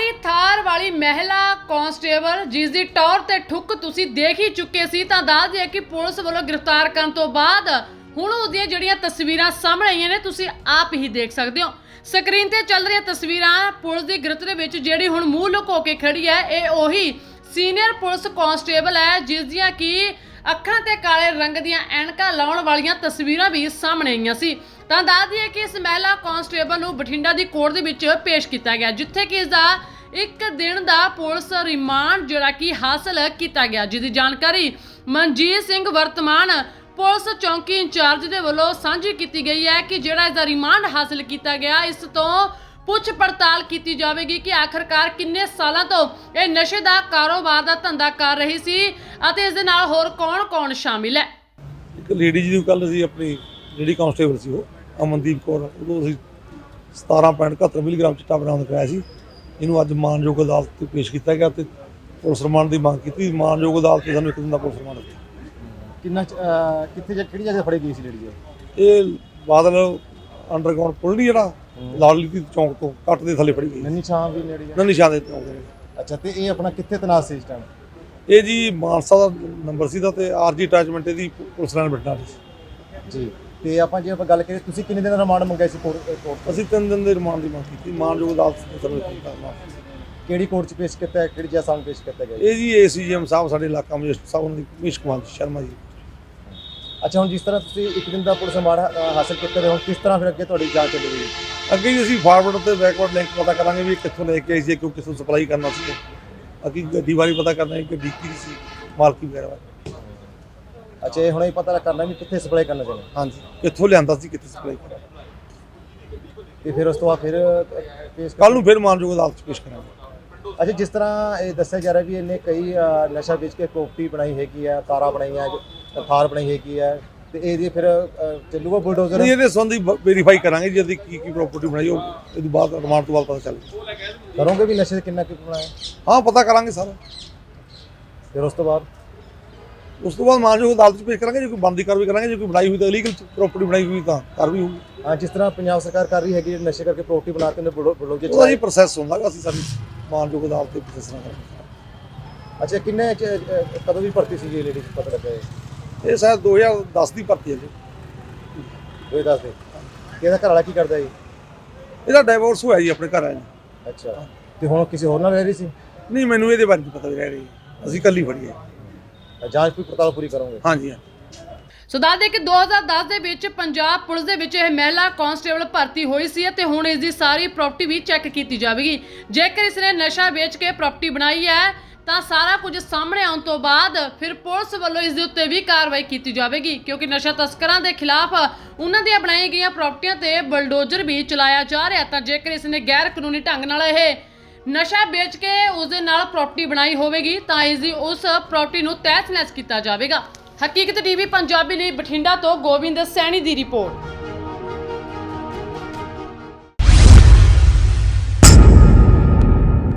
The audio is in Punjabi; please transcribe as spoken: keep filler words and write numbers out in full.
गाड़ी थार वाली महिला कांस्टेबल जिस दी टौर ते ठुक तुसी देख ही चुके सी तां दस दिए कि पुलिस वालों गिरफ्तार करन तो बाद हुण उसदियां जिहड़ियां तस्वीरां सामने आईयां ने तुसी आप ही देख सकदे हो। स्क्रीन ते चल रही तस्वीरां पुलिस दी गिरफ्त दे विच जिहड़ी हुण मूंह लुको के खड़ी है ये ओही सीनियर पुलिस कांस्टेबल है जिस दियां कि ਅੱਖਾਂ ਤੇ ਕਾਲੇ रंग ਦੀਆਂ ਐਨਕਾਂ ਲਾਉਣ ਵਾਲੀਆਂ ਤਸਵੀਰਾਂ ਵੀ ਸਾਹਮਣੇ ਆਈਆਂ ਸੀ। ਤਾਂ ਦੱਸ ਦਈਏ ਕਿ ਇਸ ਮਹਿਲਾ ਕਾਂਸਟੇਬਲ ਨੂੰ ਬਠਿੰਡਾ ਦੀ ਕੋਰਟ ਦੇ ਵਿੱਚ ਪੇਸ਼ ਕੀਤਾ ਗਿਆ ਜਿੱਥੇ ਕਿ ਇਸ ਦਾ ਇੱਕ ਦਿਨ ਦਾ ਪੁਲਿਸ ਰਿਮਾਂਡ ਜਿਹੜਾ ਕਿ ਹਾਸਲ ਕੀਤਾ ਗਿਆ ਜਿਸ ਦੀ ਜਾਣਕਾਰੀ ਮਨਜੀਤ ਸਿੰਘ ਵਰਤਮਾਨ ਪੁਲਿਸ ਚੌਂਕੀ ਇੰਚਾਰਜ ਦੇ ਵੱਲੋਂ ਸਾਂਝੀ ਕੀਤੀ ਗਈ ਹੈ ਕਿ ਜਿਹੜਾ ਇਸ ਦਾ ਰਿਮਾਂਡ ਹਾਸਲ ਕੀਤਾ ਗਿਆ ਇਸ ਤੋਂ ਪੁੱਛ ਪੜਤਾਲ ਕੀਤੀ ਜਾਵੇਗੀ ਕਿ ਆਖਰਕਾਰ ਕਿੰਨੇ ਸਾਲਾਂ ਤੋਂ ਇਹ ਨਸ਼ੇ ਦਾ ਕਾਰੋਬਾਰ ਦਾ ਧੰਦਾ ਕਰ ਰਹੀ ਸੀ ਅਤੇ ਇਸ ਦੇ ਨਾਲ ਹੋਰ ਕੌਣ-ਕੌਣ ਸ਼ਾਮਿਲ ਹੈ। ਇੱਕ ਲੇਡੀ ਜੀ ਨੂੰ ਕੱਲ ਅਸੀਂ ਆਪਣੀ ਲੇਡੀ ਕਾਂਸਟੇਬਲ ਸੀ ਉਹ ਅਮਨਦੀਪ ਕੌਰ ਉਦੋਂ ਅਸੀਂ ਸਤਾਰਾਂ ਪੁਆਇੰਟ ਇਕਹੱਤਰ ਮਿਲੀਗ੍ਰਾਮ ਚਿੱਟਾ ਬਰਾਮਦ ਕਰਾਇਆ ਸੀ। ਇਹਨੂੰ ਅੱਜ ਮਾਨਯੋਗ ਅਦਾਲਤ 'ਤੇ ਪੇਸ਼ ਕੀਤਾ ਗਿਆ ਤੇ ਪੁਲਿਸ ਰਿਮਾਂਡ ਦੀ ਮੰਗ ਕੀਤੀ। ਮਾਨਯੋਗ ਅਦਾਲਤ 'ਤੇ ਸਾਨੂੰ ਇੱਕ ਦਿਨ ਦਾ ਪੁਲਿਸ ਰਿਮਾਂਡ ਦਿੱਤਾ। ਕਿੰਨਾ ਕਿੱਥੇ ਕਿਹੜੀ ਜਗ੍ਹਾ ਫੜੀ ਗਈ ਸੀ ਲੇਡੀ ਇਹ ਬਾਦਲ ਅੰਡਰਗਰਾਉਂਡ ਪੁਲ ਨਹੀਂ ਜਿਹੜਾ ਲਾਲੀ ਚੌਂਕ ਤੋਂ ਕੱਟ ਦੇ ਥੱਲੇ ਫੜੀ ਗਈ ਨੰਨੀ ਛਾਂ ਵੀ ਨੇੜੇ ਨੰਨੀ ਛਾਂ ਦੇ ਚੌਂਕ ਦੇ। ਅੱਛਾ ਤੇ ਇਹ ਆਪਣਾ ਕਿੱਥੇ ਤਨਾਸ ਸੀ ਇਸ ਟਾਈਮ? ਇਹ ਜੀ ਮਾਨਸਾ ਦਾ ਨੰਬਰ ਸੀ ਦਾ ਤੇ ਆਰਜੀ ਅਟੈਚਮੈਂਟ ਇਹਦੀ ਪੁਲਿਸ ਨਾਲ ਬੈਠਾ ਸੀ ਜੀ। ਤੇ ਆਪਾਂ ਜੇ ਆਪਾਂ ਗੱਲ ਕਰੀਏ ਤੁਸੀਂ ਕਿੰਨੇ ਦਿਨ ਦਾ ਰਿਮਾਂਡ ਮੰਗਿਆ ਸੀ ਕੋਰਟ? ਅਸੀਂ ਤਿੰਨ ਦਿਨ ਦੇ ਰਿਮਾਂਡ ਦੀ ਮੰਗ ਕੀਤੀ। ਮਾਨਯੋਗ ਅਦਾਲਤ ਨੇ ਸਾਨੂੰ ਕਰਨਾ। ਕਿਹੜੀ ਕੋਰਟ 'ਚ ਪੇਸ਼ ਕੀਤਾ ਹੈ, ਕਿਹੜੀ ਜੱਜ ਸਾਹਮਣੇ ਪੇਸ਼ ਕੀਤਾ ਗਿਆ? ਇਹ ਜੀ ਏਸੀਜੀਐਮ ਸਾਹਿਬ ਸਾਡੇ ਇਲਾਕਾ ਮਜਿਸਟਰ ਸਾਹਿਬ ਉਹਨਾਂ ਦੀ ਮਨੀਸ਼ ਕੁਮਾਰ ਸ਼ਰਮਾ ਜੀ। ਅੱਛਾ ਹੁਣ ਜਿਸ ਤਰ੍ਹਾਂ ਤੁਸੀਂ ਇੱਕ ਦਿਨ ਦਾ ਪੁਲਿਸ ਰਿਮਾਂਡ ਹਾਸਲ ਕੀਤਾ ਹੋ ਕਿਸ ਤਰ੍ਹਾਂ ਫਿਰ ਅੱਗੇ ਤੁਹਾਡੀ ਜਾਂਚ ਚੱਲੇਗੀ? ਅੱਗੇ ਜੀ ਅਸੀਂ ਫਾਰਵਰਡ ਤੇ ਬੈਕਵਰਡ ਲਿੰਕ ਪਤਾ ਕਰਾਂਗੇ ਵੀ ਕਿੱਥੋਂ ਲੈ ਕੇ ਆਈ ਸੀ ਕਿਉਂ ਕਿੱਥੋਂ ਸਪਲਾਈ ਕਰਨਾ ਸੀ। ਅੱਗੇ ਗੱਡੀ ਬਾਰੇ ਪਤਾ ਕਰਨਾ ਹੈ ਕਿ ਗੱਡੀ ਸੀ ਮਾਲਕੀ ਵਗੈਰਾ। ਅੱਛਾ ਇਹ ਹੁਣ ਇਹ ਪਤਾ ਕਰਨਾ ਵੀ ਕਿੱਥੇ ਸਪਲਾਈ ਕਰਨਾ ਚਾਹੁੰਦੇ? ਹਾਂਜੀ ਕਿੱਥੋਂ ਲਿਆਂਦਾ ਸੀ ਕਿੱਥੇ ਸਪਲਾਈ ਕਰਨਾ ਤੇ ਫਿਰ ਉਸ ਤੋਂ ਬਾਅਦ ਫਿਰ ਪੇਸ਼ ਕੱਲ ਨੂੰ ਫਿਰ ਮਾਨਯੋਗ ਅਦਾਲਤ 'ਚ ਪੇਸ਼ ਕਰਾਂਗੇ। ਅੱਛਾ ਜਿਸ ਤਰ੍ਹਾਂ ਇਹ ਦੱਸਿਆ ਜਾ ਰਿਹਾ ਵੀ ਇਹਨੇ ਕਈ ਨਸ਼ਾ ਵੇਚ ਕੇ ਪ੍ਰੋਪਰਟੀ ਬਣਾਈ ਹੈਗੀ ਆ, ਕਾਰਾਂ ਬਣਾਈਆਂ, ਥਾਰ ਬਣਾਈ ਹੈਗੀ ਆ ਤੇ ਇਹਦੀ ਫਿਰ ਚੱਲੂਗਾ ਬੁਲਡੋਜ਼ਰ? ਇਹਦੇ ਸੰਬੰਧੀ ਵੈਰੀਫਾਈ ਕਰਾਂਗੇ ਜੀ ਕੀ ਕੀ ਪ੍ਰਾਪਰਟੀ ਬਣਾਈ ਉਹ ਇਹਦੇ ਬਾਅਦ ਰਿਮਾਂਡ ਤੋਂ ਬਾਅਦ ਪਤਾ ਚੱਲੇਗਾ। ਕਰੋਗੇ ਵੀ ਨਸ਼ੇ ਕਿੰਨਾ ਕੁ ਬਣਾਇਆ? ਹਾਂ ਪਤਾ ਕਰਾਂਗੇ ਸਾਰਾ। ਫਿਰ ਉਸ ਤੋਂ ਬਾਅਦ ਉਸ ਤੋਂ ਬਾਅਦ ਮਾਨਯੋਗ ਅਦਾਲਤ 'ਚ ਪੇਸ਼ ਕਰਾਂਗੇ। ਜੇ ਕੋਈ ਬਣਦੀ ਕਾਰਵਾਈ ਕਰਾਂਗੇ, ਜੇ ਕੋਈ ਬਣਾਈ ਹੋਈ ਤਾਂ ਇਲੀਗਲ ਪ੍ਰਾਪਰਟੀ ਬਣਾਈ ਹੋਈ ਤਾਂ ਕਾਰਵਾਈ ਹੋਊਗੀ। ਹਾਂ ਜਿਸ ਤਰ੍ਹਾਂ ਪੰਜਾਬ ਸਰਕਾਰ ਕਰ ਰਹੀ ਹੈਗੀ ਨਸ਼ੇ ਕਰਕੇ ਪ੍ਰੋਪਰਟੀ ਬਣਾ ਕੇ ਬੁਲਡੋਜ਼ਰ ਉਹਦਾ ਜੀ ਪ੍ਰੋਸੈਸ ਹੁੰਦਾ ਅਸੀਂ ਸਾਡੀ ਮਾਨਯੋਗ ਅਦਾਲਤ 'ਤੇ ਪ੍ਰੋਸੈਸ ਨਾ ਕਰਾਂਗੇ। ਅੱਛਾ ਕਿੰਨੇ ਕਦੋਂ ਦੀ ਭਰਤੀ ਸੀ ਜੀ ਲੇਡੀ ਪਤਾ ਲੱਗਾ? ਇਹ ਸ਼ਾਇਦ ਦੋ ਹਜ਼ਾਰ ਦਸ ਦੀ ਭਰਤੀ ਹੈ ਜੀ। ਦੋ ਹਜ਼ਾਰ ਦਸ ਦੇ। ਇਹਦਾ ਘਰ ਵਾਲਾ ਕੀ ਕਰਦਾ ਜੀ? ਇਹਦਾ ਡਾਈਵੋਰਸ ਹੋਇਆ ਜੀ ਆਪਣੇ ਘਰ ਆਇਆ ਜੀ। ਅੱਛਾ ਤੇ ਹੁਣ ਕਿਸੇ ਹੋਰ ਨਾਲ ਰਹਿ ਰਹੀ ਸੀ? ਨਹੀਂ ਮੈਨੂੰ ਇਹਦੇ ਬਾਰੇ ਨਹੀਂ ਪਤਾ ਵੀ ਰਹਿ ਰਹੀ ਅਸੀਂ ਕੱਲੀ ਫੜੀ ਹੈ। ਜਾਂਚ ਪੂਰੀ ਪੜਤਾਲ ਪੂਰੀ ਕਰੋਗੇ? ਹਾਂਜੀ। ਸੋ ਦੱਸ ਦੇ ਕਿ ਦੋ ਹਜ਼ਾਰ ਦਸ ਦੇ ਵਿੱਚ ਪੰਜਾਬ ਪੁਲਿਸ ਦੇ ਵਿੱਚ ਇਹ ਮਹਿਲਾ ਕਾਂਸਟੇਬਲ ਭਰਤੀ ਹੋਈ ਸੀ ਅਤੇ ਹੁਣ ਇਸ ਦੀ ਸਾਰੀ ਪ੍ਰਾਪਰਟੀ ਵੀ ਚੈੱਕ ਕੀਤੀ ਜਾਵੇਗੀ। ਜੇਕਰ ਇਸ ਨੇ ਨਸ਼ਾ ਵੇਚ ਕੇ ਪ੍ਰਾਪਰਟੀ ਬਣਾਈ ਹੈ ਤਾਂ ਸਾਰਾ ਕੁਝ ਸਾਹਮਣੇ ਆਉਣ ਤੋਂ ਬਾਅਦ ਫਿਰ ਪੁਲਿਸ ਵੱਲੋਂ ਇਸ ਦੇ ਉੱਤੇ ਵੀ ਕਾਰਵਾਈ ਕੀਤੀ ਜਾਵੇਗੀ ਕਿਉਂਕਿ ਨਸ਼ਾ ਤਸਕਰਾਂ ਦੇ ਖਿਲਾਫ ਉਹਨਾਂ ਦੀਆਂ ਬਣਾਈਆਂ ਗਈਆਂ ਪ੍ਰਾਪਰਟੀਆਂ ਤੇ ਬਲਡੋਜ਼ਰ ਵੀ ਚਲਾਇਆ ਜਾ ਰਿਹਾ। ਤਾਂ ਜੇਕਰ ਇਸ ਨੇ ਗੈਰ ਕਾਨੂੰਨੀ ਢੰਗ ਨਾਲ ਇਹ ਨਸ਼ਾ ਵੇਚ ਕੇ ਉਸ ਦੇ ਨਾਲ ਪ੍ਰਾਪਰਟੀ ਬਣਾਈ ਹੋਵੇਗੀ ਤਾਂ ਇਸ ਦੀ ਉਸ ਪ੍ਰਾਪਰਟੀ ਨੂੰ ਤਹਿਸ ਨਹਿਸ ਕੀਤਾ ਜਾਵੇਗਾ। ਹਕੀਕਤ ਟੀਵੀ ਪੰਜਾਬੀ ਲਈ ਬਠਿੰਡਾ ਤੋਂ ਗੋਬਿੰਦ ਸੈਣੀ ਦੀ ਰਿਪੋਰਟ।